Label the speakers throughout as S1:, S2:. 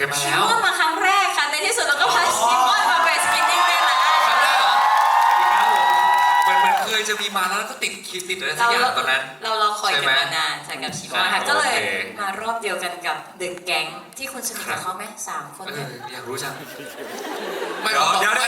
S1: ยมา
S2: ชิ
S1: แล้ว
S2: มอนมาครั้งแรกค่ะในที่สุดเราก็พาชิมอนมาเป็นสกินนิ่งได้แล้ว
S1: ครั้งแรกเหรอมันเคยจะมีมาแล้วก็ติดคิดติดอะไรสักอย่างตอนนั้น
S2: เราคอยกันมานานใช่กับชิมอนค่ะ
S1: ใช่
S2: ก็เลย
S1: โอเค
S2: มารอบเดียวกันกับเดอะแก๊งที่คุณสนิทกับเขาไหม3 คนเนี่ย
S1: อยากรู้จัง
S3: ไม่เดี๋ยว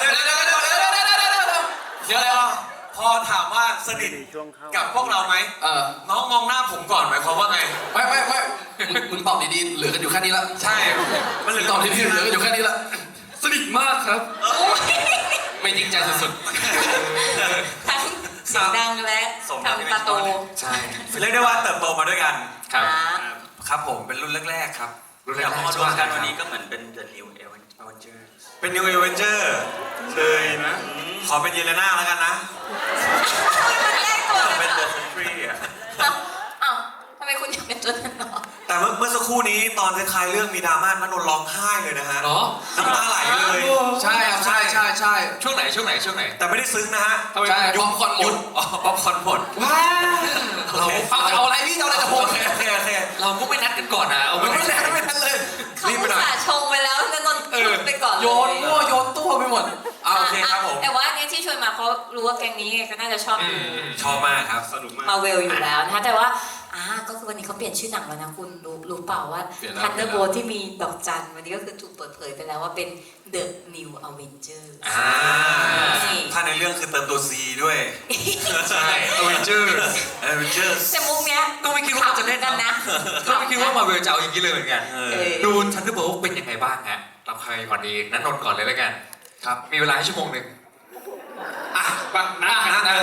S3: พอถามว่าสนิทกับพวกเราไหมน้องมองหน้าผมก่อนหมายความว่าไง
S4: ไม่มึงตอบดีๆเหลือกันอยู่แค่นี้ละ
S3: ใช่ มันเหลือ
S4: ตอบดีๆเหลือกันอยู่แค่นี้ละ
S1: สนิทมากครับ
S4: ไม่จริงใจสุด
S2: ทั้งเสียงดังและทำตาโต
S1: ใช่
S3: เรียกได้ว่าเติบโตมาด้วยกัน
S1: ครับ
S3: ครับผมเป็นรุ่นแรกๆครับ
S1: รุ่นแรก
S5: พอรวมกันวันนี้ก็เหมือนเป็น The New Avenger
S3: เป็น New Avenger เลยนะ ขอเป็นเยเลน่าแล้วกันนะ
S2: มันแรกตัวเลย
S5: เป็น
S2: เหร
S5: The
S2: อ
S5: Sentry อ่ะ
S2: อ้าวทำไมคุณอยากเป็นตัวนั้นเนาะ
S3: แต่เมื่อสักครู่นี้ตอนท้ายๆเรื่องมีดราม่ามันนนร้องไห้เลยนะฮะ
S1: เหรอ
S3: น้ำตาไหลเลย
S4: ๆใช่ครับใช่
S1: ช่วงไหน
S3: แต่ไม่ได้ซึ้งนะฮะ
S4: ใช่ป๊อปคอร์นหมด
S3: ป๊อปคอร์นหมด
S4: ว้าเราเอาอะไรพี่เอาอะไรกับผม
S3: โอเค
S1: เราก็ไม่นัดกันก่อนนะเอา
S4: ไม่
S1: ไม่
S4: ได้
S1: ได้
S4: ไม่ทันเลย
S2: เขา
S3: รีบไป
S2: อุต
S3: หน่อย
S2: ส่าห์ชงไปแล้วนนท์พูดไปก่อนเลย
S4: โยนมั่วโยนตัวไปหมด
S3: โอเคครับผม
S2: แต่ว่าเนี่ยที่ชวนมาเพราะรู้ว่าแก๊งนี้ก็น่าจะชอบดู
S3: ชอบมากครับ สนุกมาก
S2: มาเวลอยู่แล้วนะคะแต่ว่าก็คือวันนี้เขาเปลี่ยนชื่อหนังแล้วนะคุณรู้เปล่าว่า
S4: เปลี่ยนแล้ว
S2: Thunderbolt ที่มีดอกจันวันนี้ก็คือถูกเปิดเผยไปแล้วว่าเป็น The New Avengers นี่
S3: ถ้าในเรื่องคือเติมตัว C ด้วย
S1: ใช่ Avengers
S3: Avengers
S2: แต่มุกเนี้ย
S1: ก็ไม่คิดว่าจะเล่น
S2: กันนะ
S1: ก็ไม่คิดว่ามาเวลจะเอาอย่างนี้เลยเหมือนกัน
S3: เออ
S1: ดูทันเดอร์โบลเป็นยังไงบ้างฮะรับใครก่อนดีนันนนท์ก่อนเลยแล้วกัน
S4: ครับ
S1: มีเวลาให้ชั่วโมงหนึ่ง
S4: ปังนะ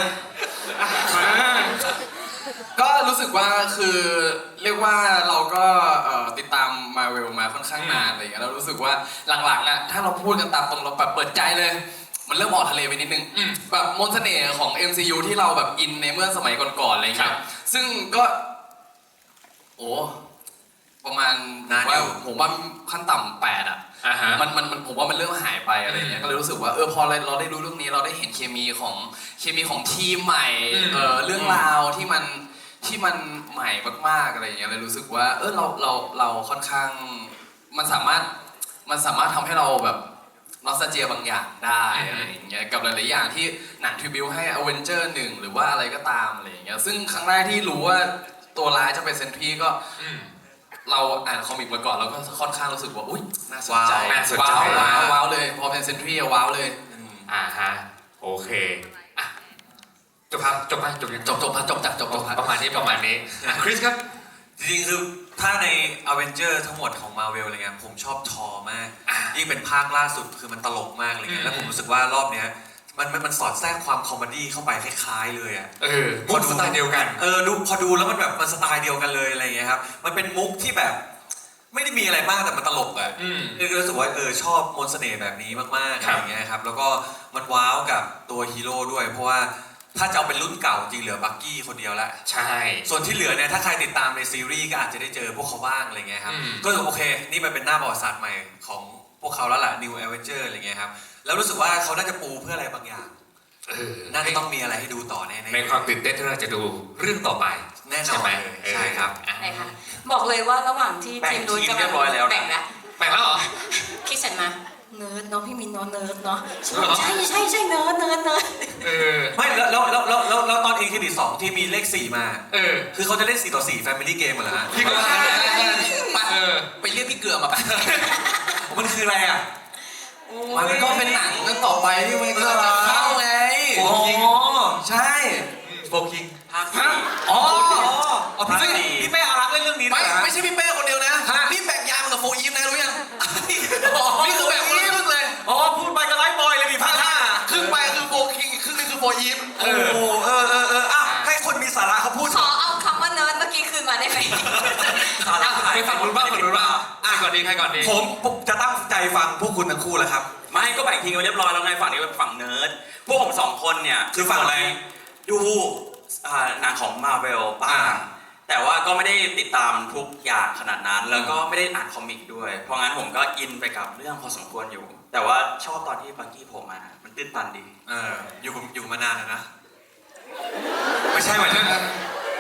S4: ก็รู้สึกว่าคือเรียกว่าเราก็ติดตามมาเวลมาค่อนข้างนานอะไรอย่างเงี้ยเรารู้สึกว่าหลังๆอ่ะถ้าเราพูดกันตามตรงเราแบบเปิดใจเลย มันเริ่มออกทะเลไปนิดนึงแบบมนต์เสน่ห์ของ MCU ที่เราแบบอินในเมื่อสมัยก่อนๆอะไรอย่างเงี้ยซึ่งก็โอ้ประมาณ
S3: นานอยู่
S4: ผมว่าขั้นต่ำ8อ่ะ มันผมว่ามันเริ่มหายไปอะไรอย่างเงี้ยก็เลยรู้สึกว่าพอเราได้ดูเรื่องนี้เราได้เห็นเคมีของทีมใหม่เรื่องราวที่มันใหม่มากๆอะไรอย่างเงี้ยเลยรู้สึกว่าเราค่อนข้างมันสามารถทำให้เราแบบนอสตาเจียบางอย่างได้อะไรอย่างเงี้ยกับหลายๆอย่างที่หนังทริบิวให้อเวนเจอร์1หรือว่าอะไรก็ตามอะไรอย่างเงี้ยซึ่งครั้งแรกที่รู้ว่าตัวร้ายจะเป็นเซนทรีก็เราอ่านคอมิกมาก่อนเราก็ค่อนข้างรู้สึกว่าอุ๊ยน่าสนใจ ว้าวเลยพอเป็นเซนทรีว้าวเลย
S1: โอเคอ่ะจบครับจบประมาณนี้คริสครับ
S3: จริงๆคือถ้าใน Avenger ทั้งหมดของ Marvel อะไรเงี้ยผมชอบทอมากยิ่งเป็นภาคล่าสุดคือมันตลกมากอะไรเงี้ยแล้วผมรู้สึกว่ารอบเนี้ยมันสอดแทรกความคอมเมดี้เข้าไปคล้ายๆเลยอ่ะ
S1: มุกสไตล์เดียวกัน
S3: พอดูแล้วมันแบบมันสไตล์เดียวกันเลยอะไรเงี้ยครับมันเป็นมุกที่แบบไม่ได้มีอะไรมากแต่มันตลกอ่ะรู้สึกว่าชอบมนต์เสน่ห์แบบนี้มากๆอะไรเงี้ยครับแล้วก็มันว้าวกับตัวฮีโร่ด้วยเพราะว่าถ้าจะเอาเป็นรุ่นเก่าจริงเหลือบักกี้คนเดียวละ
S1: ใช่
S3: ส่วนที่เหลือเนี่ยถ้าใครติดตามในซีรีส์ก็อาจจะได้เจอพวกเขาบ้างอะไรเงี้ยครับก็โอเคนี่มันเป็นหน้าประวัติศาสตร์ใหม่ของพวกเขาแล้วล่ะ New Avenger อะไรเงี้ยครับแล้วรู้สึกว่าเขาน่าจะปูเพื่ออะไรบางอย่างน่าจะต้องมีอะไรให้ดูต่อแน่ๆ
S1: ในความตื่นเต้นที่เราจะดูเรื่องต่อไป
S3: แน่นอนใช่ครับ
S2: ไหนคะบอกเลยว่าระหว่างที่ทีมนู้นกำลังแบ่งแล้ว
S1: แบ่งแล้วเหรอ
S2: คิดเสร็จมาเนิร์ดเนาะพี่มินเนาะเนิร์ดเนาะใช่เนิร์ด
S3: ไม่แล้วตอนเอ็นเครดิต2ที่มีเลข4มาคือเขาจะเล่น4 ต่อ 4 Family Game เหรอฮะ
S1: พี่ก็
S4: ไปเรียกพี่เกลือมาไป
S3: มันคืออะไรอ่ะ
S4: มันก็เป็นหนังกันต่อไปที่มันก็จะเข้าไง
S3: อ๋อ
S4: ใช่
S1: โฟกิง
S5: ภาคสี่
S4: อ๋อ
S3: พี่เป้อารักษ์เล่นเรื่องนี้ด้วย
S4: ไม่ใช่พี่เป้คนเดียวนะนี่แบ่งยายมันกับโฟอีฟนะรู้ยังนี่คือแบ่งคนละครึ่งเลย
S3: อ๋อพูดไปก็ไลฟ์บอยเลยมีภาค5
S4: ครึ่งไปคือโฟคิงอีกครึ่งนึงคือโฟอีฟ
S3: โอ้ให้คนมีสาระเขาพูด
S2: ขอเอาคำว่าเนิร์ดเมื่อกี้คืนมาได้ไหม
S1: ไปฝั่งนู้นบ้างใครก่อนดี
S3: ผมจะตั้งใจฟังพวกคุณทั้งคู่แล้วครับ
S5: ไม่ก็แบ่งทีมกันเรียบร้อยแล้วไงฝั่งนี้เป็นฝั่งเนิร์ดพวกผม2 คนเนี่ย
S3: คือฝั่งอะไร
S5: ดูหนังของ Marvel บ้างแต่ว่าก็ไม่ได้ติดตามทุกอย่างขนาดนั้น แล้วก็ไม่ได้อ่านคอมิกด้วย เพราะงั้นผมก็อินไปกับเรื่องพอสมควรอยู่ แต่ว่าชอบตอนที่บังกี้โผล่มามันตื้นตันดี
S3: อยู่มานานแล้วนะไม่ใช่หมายถึง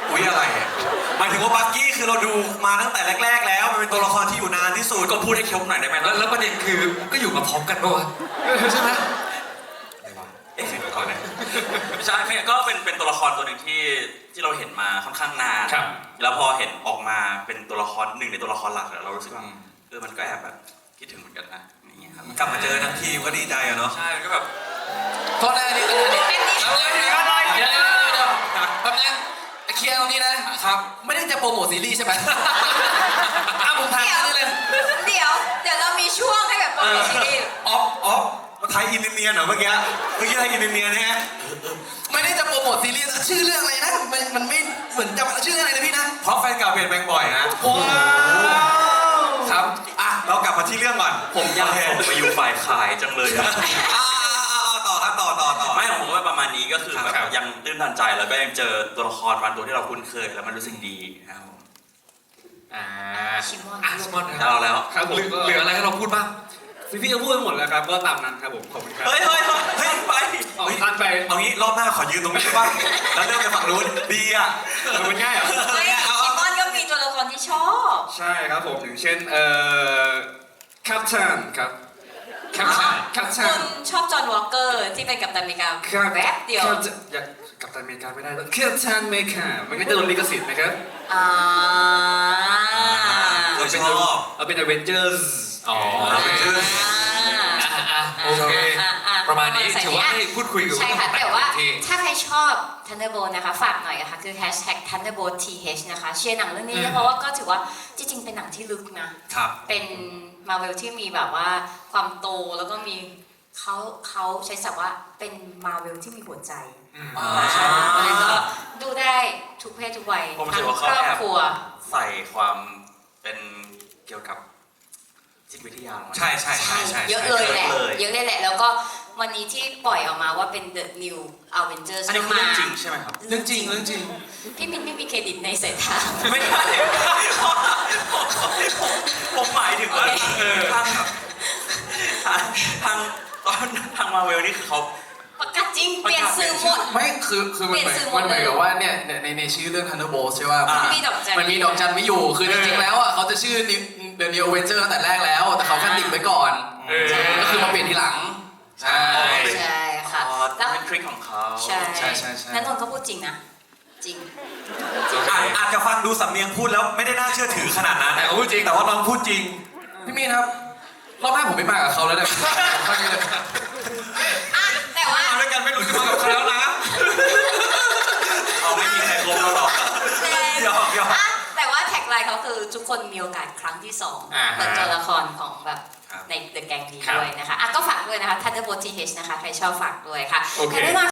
S3: อุ๊ยอะไรอ่ะหมายถึงว่าบักกี้คือเราดูมาตั้งแต่แรก ๆ แล้วมันเป็นตัวละครที่อยู่นานที่สุด
S5: ก็พูดให้ครบหน่อยได้ไหม
S1: แล้วประเด็นคือก็อยู่มาพร้อมกันปะวะใช่ไหม
S3: เอ๊ะก่อนนะ
S5: ไม่ใช่ก็เป็นตัวละครตัวหนึ่งที่เราเห็นมาค่อนข้างนาน
S1: ครับ
S5: แล้วพอเห็นออกมาเป็นตัวละครหนึ่งในตัวละครหลักเรารู้สึกว่ามันก็แอบแบบคิดถึงเหมือนกันนะอย่างเงี้ยครับ
S3: กลับมาเจอทั้งทีมก็ดีใจอะเนาะ
S5: ใช่มันก็แบบ
S4: โทษนะอันนี้
S2: เป็นนี่
S4: เดี๋ยวแป๊บนึงเคลียร์ตรงนี้นะครับไม่ได้จะโปรโมทซีรีส์ใช่ไหมผมถามนี่เลย
S2: เดี๋ยวเรามีช่วงให้แบบโปรโมทซีรีส์
S3: ออฟไทยอินเดียเหรอเมื่อกี้ไทยอินเดียเนี่ย
S4: ไม่ได้จะโปรโมทซีรีส์ชื่อเรื่องอะไรนะมันไม่เหมือนจะชื่อเรื่องอะไรนะพี่นะ
S3: เพราะแฟนเก่าเปลี่ยนแปลงบ่อยนะ
S4: ว้าวครับ
S3: อ่ะเรากลับมาที่เรื่องก่อน
S5: ผมอยากส่งไปอยู่ฝ่ายขายจังเลยอะ
S3: ต่อครับต่อ
S5: ไม่ของผมก็ประมาณนี้ก็คือแบบ
S1: ครับ
S5: ยังตื้นตันใจแล้วก็ยังเจอตัวละครบางตัวที่เราคุ้นเคยแล้วมันรู้สึกดีนะครับผม
S2: ชิมอน
S1: ชิมอน
S5: แล้ว
S6: ครับผม
S1: เหลืออะไรให้เราพูดบ้าง
S6: พี่ก็พูดไปหมดแล้วครับก็ตามนั้นครับผมขอบคุณครับ
S5: เฮ้ยไป
S6: เอาทันไป
S3: เอางี้รอบหน้าขอยืนตรงนี้บ้างแล้วเริ่มไปฝั่งนู้นดีอ่ะ
S6: มันง่ายเหรอ
S2: ไม่ชิมอนก็มีตัวละครที่ชอบ
S6: ใช่ครับผมอย่างเช่นแคปชันครับแคปชั
S2: คุ
S6: น
S2: ณชอบจอห์นวอลเกอร์ที่เป็นกัปตันอเมริกาแวบเดียว
S6: อยากกับตันอเมริกาไม่ได้แคปชันเมกามันก็จะโดนลิขสิทธิ์ไหมครับ
S2: อ่า
S3: เราชอบ
S6: เอาเป็นอเวนเจอร์ส
S1: อ๋อ โอเค ประมาณนี้ถือว่าได้พูดคุยกับ
S2: ใช่ค่ะ แต่ว่า
S1: ที่
S2: ถ้าใครชอบ Thunderbolt นะคะ ฝากหน่อยนะคะคือ #THunderboltTH นะคะเชียร์หนังเรื่องนี้เพราะว่าก็ถือว่าจริงๆเป็นหนังที่ลึกนะ
S3: ครับ
S2: เป็นมาเวลที่มีแบบว่าความโตแล้วก็มีเขาใช้ศัพท์ว่าเป็นมาเวลที่มีหัวใจใช่แล้วก็ดูได้ทุกเพศทุกวัย
S5: ผมรู้
S2: ทั้
S5: สึ
S2: ง
S5: กว่า
S2: ค
S5: เขา
S2: รอบ
S5: แอบ
S2: ครัว
S5: ใส่ความเป็นเกี่ยวกับจิตวิทยาลงมา
S3: ใช่
S2: เยอะเลยแหละเยอะเลยแหละ แล้วก็วันนี้ที่ปล่อยออกมาว่าเป็น The New Avengers
S5: อันนี้คือเรื่องจริงใช่ไหมครับ
S4: เรื่องจริง
S2: พี่มินไม่มีเครดิตในสายตา
S5: ไม่ใช่ผมหมายถึงว่าทางมาเวลนี่คือเขา
S2: ประกาศจริงเปลี่ยนสื่อหมด
S4: ไม่คือมัน
S2: เปลี่ยนสื่อหมด
S4: เหมือน
S2: เลย
S4: กับว่าเนี่ยในชื่อเรื่อง Thunderbolt ใช่ป่ะ
S2: มีดอกจัน
S4: มันมีดอกจันไม่อยู่คือจริงๆแล้วอ่ะเขาจะชื่อ The New Avenger ตั้งแต่แรกแล้วแต่เขาแค่ติดไว้ก่อน ก็คือมาเปลี่ยนทีหลัง ใช่
S2: ใช่ค่ะ แล้ว
S5: เป็นทริคของเขา
S2: ใช่
S4: ใช่
S2: นันนนท์ก็พูดจริงนะ จริง
S3: อาจจะฟังดูสำเนียงพูดแล้วไม่ได้น่าเชื่อถือขนาดนั้น
S1: แต่เขาพูดจริง
S3: แต่ว่าน้องพูดจริง
S4: พี่มีนครับรอบหน้าผมไม่มากับเขาแล้วเนี่ย
S2: อ่ะ แต่ว่า
S3: มาด้วยกันไม่รู้จะมากับใครแล้วนะ
S5: เอาไม่มีใครครบแล้วหรอก
S3: หยอก
S2: อ่ะแต่ว่าแท็กไลน์เขาคือทุกคนมีโอกาสครั้งที่2เป็นตัวละครของแบบใน The Gang นี้ด้วยนะคะอ่ะก็ฝากด้วยนะคะ Thunderbolt TH นะคะ ใครชอบฝากด้วยค่ะ
S1: โอเค
S2: แต่แน่นอน